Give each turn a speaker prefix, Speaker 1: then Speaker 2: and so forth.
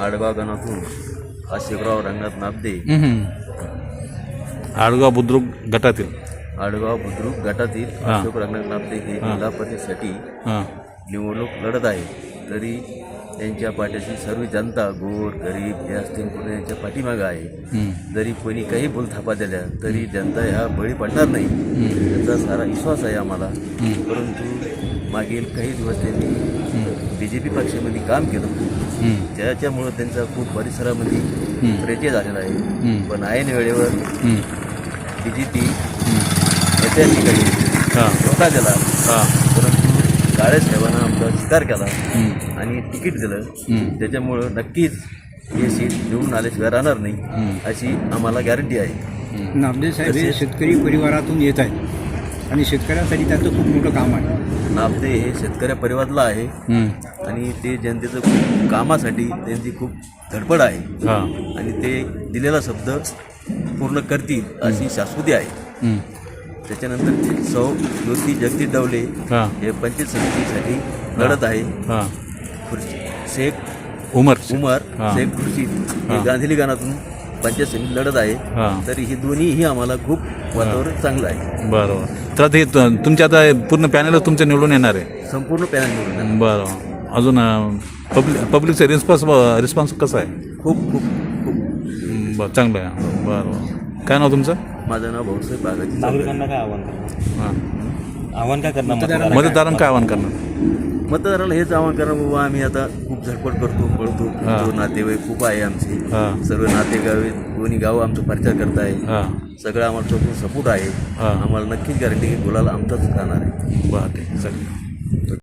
Speaker 1: आडगाव गणातून अशोकराव रंगनाथ नाबदे
Speaker 2: आडगाव बुद्रुक गटातील
Speaker 1: आडगाव बुद्रुक गटातील अशोक रंगनाथ नाबदे हे जिल्हा परिषदेसाठी निवडणूक लढत आहे. तरी त्यांच्या पाठीशी सर्व जनता गोर गरीब हे असतील कोणी यांच्या पाठीमागं आहे. जरी कोणी काही बोलथापा दिल्या तरी जनता ह्या बळी पडणार नाही याचा सारा विश्वास आहे आम्हाला. परंतु मागील काही दिवस त्यांनी BJP पक्षामध्ये काम केलं, त्याच्यामुळं त्यांचा खूप परिसरामध्ये परिचय झालेला आहे. पण ऐन वेळेवर BJP नेत्या ठिकाणी धोका दिला, परंतु काळे साहेबांना आमचा स्वीकार केला आणि तिकीट दिलं. त्याच्यामुळं नक्कीच हे सीट निवडून आल्याशिवाय राहणार नाही अशी आम्हाला गॅरंटी आहे.
Speaker 3: नाबदे साहेब हे शेतकरी परिवारातून येत आहेत आणि शेतकऱ्यांसाठी त्यांचं खूप मोठं काम आहे.
Speaker 1: नाबदे हे शेतकऱ्या परिवारातला आहे आणि ते जनतेचं खूप कामासाठी त्यांची खूप धडपड आहे आणि ते दिलेला शब्द पूर्ण करतील अशी शाश्वती आहे. त्याच्यानंतर सौ ज्योती जगदीश डवले हे पंचायत समितीसाठी लढत आहे. शेख उमर शेख खुर्शीद हे गांधीली गानातून पंचायत समिती लढत आहे. तरी ही दोन्हीही आम्हाला खूप वातावरण चांगलं आहे.
Speaker 2: बरोबर. तर ते तुमच्या आता पूर्ण पॅनल तुमच्या निवडून येणार आहे?
Speaker 1: संपूर्ण पॅनल निवडून.
Speaker 2: बरं. अजून पब्लिकचा रिस्पॉन्स कसा आहे?
Speaker 1: खूप खूप खूप
Speaker 2: बरं, चांगलं आहे. बरं. काय नाव तुमचं?
Speaker 1: माझं नाव भाऊसाहेब बागाजी.
Speaker 4: नागरिकांना काय आव्हान काय करणार?
Speaker 2: मतदारांना काय आव्हान करणार?
Speaker 1: मतदाराला हेच आव्हान करणार बाबा, आम्ही आता खूप झटपट करतो पळतो. जो नातेवाईक खूप आहे आमचे, सर्व नातेगावे दोन्ही गावं आमचा प्रचार करत आहे. सगळं आम्हाला चौकून सपोर्ट आहे. आम्हाला नक्कीच गॅरंटी की गुलाल आमचाच राहणार आहे.
Speaker 2: बरं, ठीक आहे.